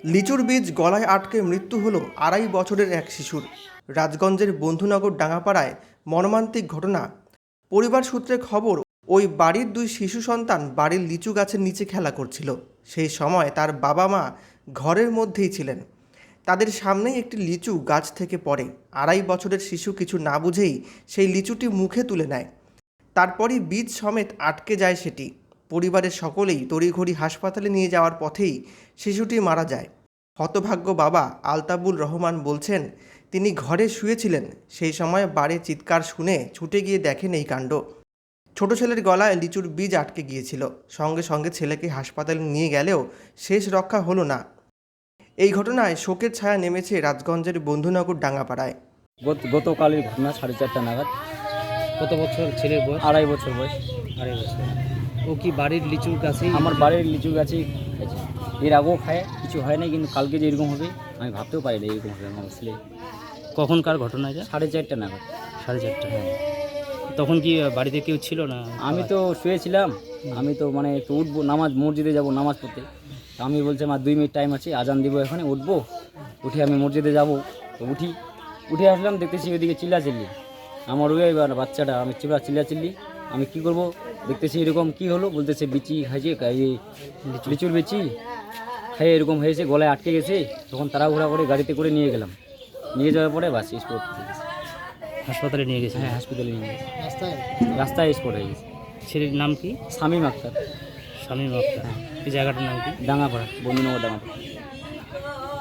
লিচুর বীজ গলায় আটকে মৃত্যু হলো ২.৫ বছরের এক শিশুর। রাজগঞ্জের বন্ধুনগর ডাঙ্গাপাড়ায় মর্মান্তিক ঘটনা। পরিবার সূত্রে খবর, ওই বাড়ির ২ শিশু সন্তান বাড়ির লিচু গাছের নিচে খেলা করছিল। সেই সময় তার বাবা মা ঘরের মধ্যেই ছিলেন। তাদের সামনেই একটি লিচু গাছ থেকে পড়ে। ২.৫ বছরের শিশু কিছু না বুঝেই সেই লিচুটি মুখে তুলে নেয়। তারপরই বীজ সমেত আটকে যায় সেটি। পরিবারের সকলেই তড়িঘড়ি হাসপাতালে নিয়ে যাওয়ার পথেই শিশুটি মারা যায়। হতভাগ্য বাবা আলতাবুল রহমান বলছেন, তিনি ঘরে শুয়েছিলেন। সেই সময় বাড়ির চিৎকার শুনে ছুটে গিয়ে দেখেন এই কাণ্ড। ছোট ছেলের গলায় লিচুর বীজ আটকে গিয়েছিল। সঙ্গে সঙ্গে ছেলেকে হাসপাতালে নিয়ে গেলেও শেষ রক্ষা হলো না। এই ঘটনায় শোকের ছায়া নেমেছে রাজগঞ্জের বন্ধুনগর ডাঙ্গাপাড়ায়। গতকালের ঘটনা 4:30 নাগাদ। কত বছর ছেলের বয়স? 2.5 বছর বয়স। 2.5 বছর। ও কি বাড়ির লিচুর গাছেই? আমার বাড়ির লিচু গাছেই খাইছে। এর আগেও খায়, কিছু হয় না, কিন্তু কালকে যে এরকম হবে আমি ভাবতেও পারি না এরকম হবে আমার ছেলে। কখনকার ঘটনা এটা? 4:30 নাগাদ। 4:30। হ্যাঁ, তখন কি বাড়িতে কেউ ছিল না? আমি তো শুয়েছিলাম। আমি তো মানে একটু উঠবো, মসজিদে যাব নামাজ পড়তে। তো আমি বলছি আমার 2 মিনিট টাইম আছে, আজান দিব, এখানে উঠবো। উঠে আমি মসজিদে যাব। তো উঠে আসলাম, দেখতেছি ওইদিকে চিল্লাচিল্লি। আমার ওই বাচ্চাটা, আমি চিল্লাচিল্লি। আমি কি করব, দেখতেছি এরকম কি হলো, বলতেছে বিচি খাইছে, লিচুর বিচি খাইয়ে এরকম হয়েছে, গলায় আটকে গেছে। তখন তাড়াহুড়া করে গাড়িতে করে নিয়ে গেলাম। নিয়ে যাওয়ার পরে বাস স্পট। হাসপাতালে নিয়ে গেছে? হ্যাঁ, হাসপাতালে নিয়ে গেছে। রাস্তায় স্পট হয়ে গেছে। ছেলের নাম কি? শামীম আক্তার। শামীম আক্তার। এই জায়গাটার নাম কি? ডাঙ্গাপাড়া, বন্ধুনগর ডাঙ্গাপাড়া।